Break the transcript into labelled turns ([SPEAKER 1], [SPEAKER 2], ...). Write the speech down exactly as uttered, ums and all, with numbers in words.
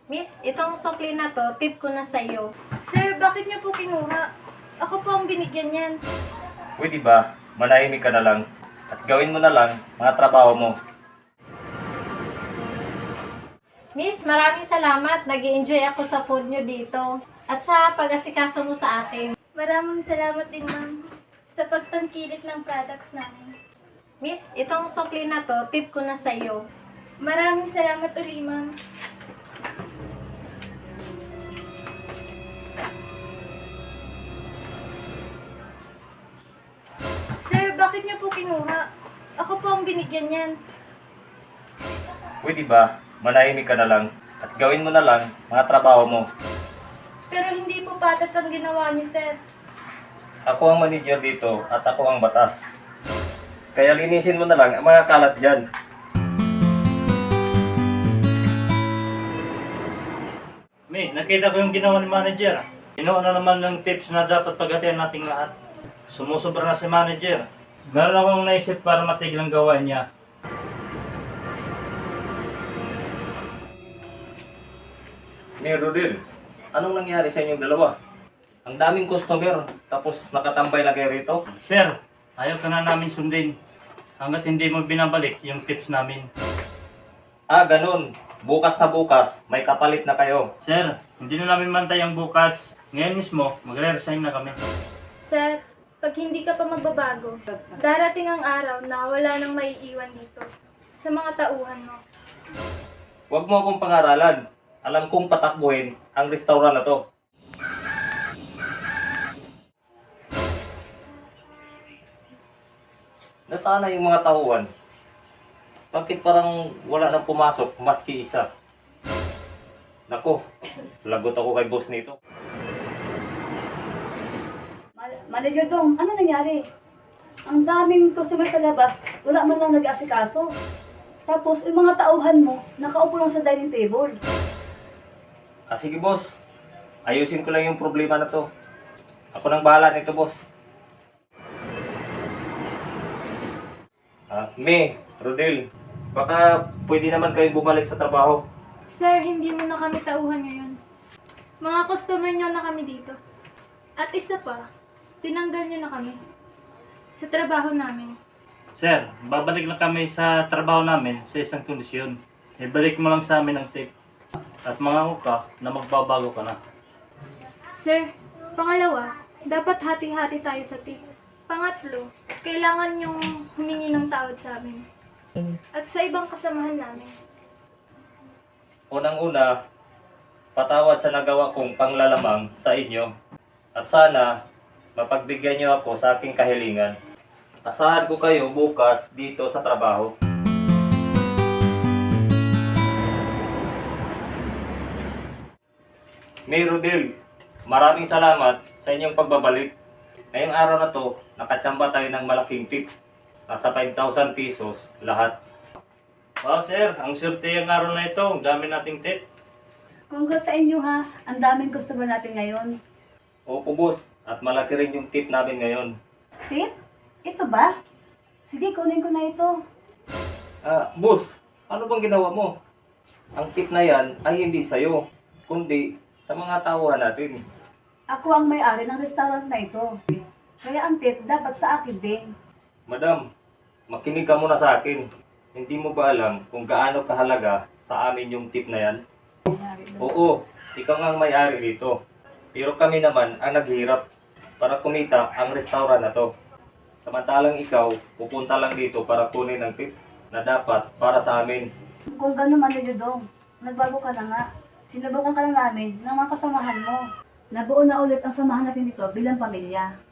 [SPEAKER 1] Miss, itong sukli na to, tip ko na sa'yo.
[SPEAKER 2] Sir, bakit niyo po kinuha? Ako po ang binigyan niyan.
[SPEAKER 3] Pwede ba, manahimik ka na lang at gawin mo na lang mga trabaho mo.
[SPEAKER 1] Miss, maraming salamat. Nag-i-enjoy ako sa food nyo dito. At sa pag-asikaso mo sa akin.
[SPEAKER 2] Maraming salamat din, ma'am, sa pagtangkilik ng products namin.
[SPEAKER 1] Miss, itong sukli na to, tip ko na sa'yo.
[SPEAKER 2] Maraming salamat uli, ma'am. Sir, bakit niyo po kinuha? Ako po ang binigyan niyan.
[SPEAKER 3] Pwede ba, manahimik ka na lang at gawin mo na lang mga trabaho mo.
[SPEAKER 2] Pero hindi po patas ang ginawa niyo, sir.
[SPEAKER 3] Ako ang manager dito at ako ang batas. Kaya linisin mo na lang ang mga kalat dyan.
[SPEAKER 4] May, nakita ko yung ginawa ni manager. Kinuha na naman ng tips na dapat paghatian nating lahat. Sumusobra na si manager. Meron akong naisip para matigil ang gawain niya.
[SPEAKER 3] Ni Rodel, anong nangyari sa inyong dalawa? Ang daming customer, tapos nakatambay na kayo rito.
[SPEAKER 4] Sir, ayaw ka na namin sundin. Hanggat hindi mo binabalik yung tips namin.
[SPEAKER 3] Ah, ganun. Bukas na bukas, may kapalit na kayo.
[SPEAKER 4] Sir, hindi na namin mantay ang bukas. Ngayon mismo, magre-resign na kami.
[SPEAKER 2] Sir, pag hindi ka pa magbabago, darating ang araw na wala nang maiiwan dito sa mga tauhan mo.
[SPEAKER 3] Huwag mo akong pangaralan. Alam kong patakbuhin ang restaurant na to. Nasaan na yung mga tauhan? Bakit parang wala nang pumasok maski isa? Nako, lagot ako kay boss nito.
[SPEAKER 5] Ma- Manager Dong, ano nangyari? Ang daming customer sa labas, wala man lang nag-asikaso. Tapos, yung mga tauhan mo, nakaupo lang sa dining table.
[SPEAKER 3] Ah, sige boss, ayusin ko lang yung problema na to. Ako nang bahala nito boss. Ah, May, Rodel, baka pwede naman kayo bumalik sa trabaho.
[SPEAKER 2] Sir, hindi mo na kami tauhan ngayon. Mga customer nyo na kami dito. At isa pa, tinanggal nyo na kami sa trabaho namin.
[SPEAKER 4] Sir, babalik lang kami sa trabaho namin sa isang kondisyon. Ibalik mo lang sa amin ang tip. At mangako ka na magbabago ka na.
[SPEAKER 2] Sir, pangalawa, dapat hati-hati tayo sa tip. Pangatlo, kailangan yung humingi ng tawad sa amin. At sa ibang kasamahan namin.
[SPEAKER 3] Unang-una, patawad sa nagawa kong panglalamang sa inyo. At sana, mapagbigyan niyo ako sa aking kahilingan. Asahan ko kayo bukas dito sa trabaho. May Rodel, maraming salamat sa inyong pagbabalik. Ngayong araw na to, nakatsamba tayo ng malaking tip. Nasa five thousand pesos lahat.
[SPEAKER 4] Wow sir, ang swerte yung araw na ito. Ang dami nating tip.
[SPEAKER 5] Congrats sa inyo ha, ang daming customer natin ngayon.
[SPEAKER 3] Opo boss, at malaki rin yung tip namin ngayon.
[SPEAKER 5] Tip? Ito ba? Sige, kunin ko na ito.
[SPEAKER 3] Ah, boss, ano bang ginawa mo? Ang tip na yan ay hindi sa'yo, kundi sa mga tauhan natin.
[SPEAKER 5] Ako ang may-ari ng restaurant na ito. Kaya ang tip dapat sa akin din.
[SPEAKER 3] Madam, makinig ka muna sa akin. Hindi mo ba alam kung gaano kahalaga sa amin yung tip na yan? Oo, ikaw nga ang may-ari dito. Pero kami naman ang naghihirap para kumita ang restaurant na to. Samantalang ikaw, pupunta lang dito para kunin ang tip na dapat para sa amin.
[SPEAKER 5] Kung gano'n, Manager Dong, nagbago ka na nga. Sinubukan ka na namin ng mga kasamahan mo. Nabuo na ulit ang samahan natin dito bilang pamilya.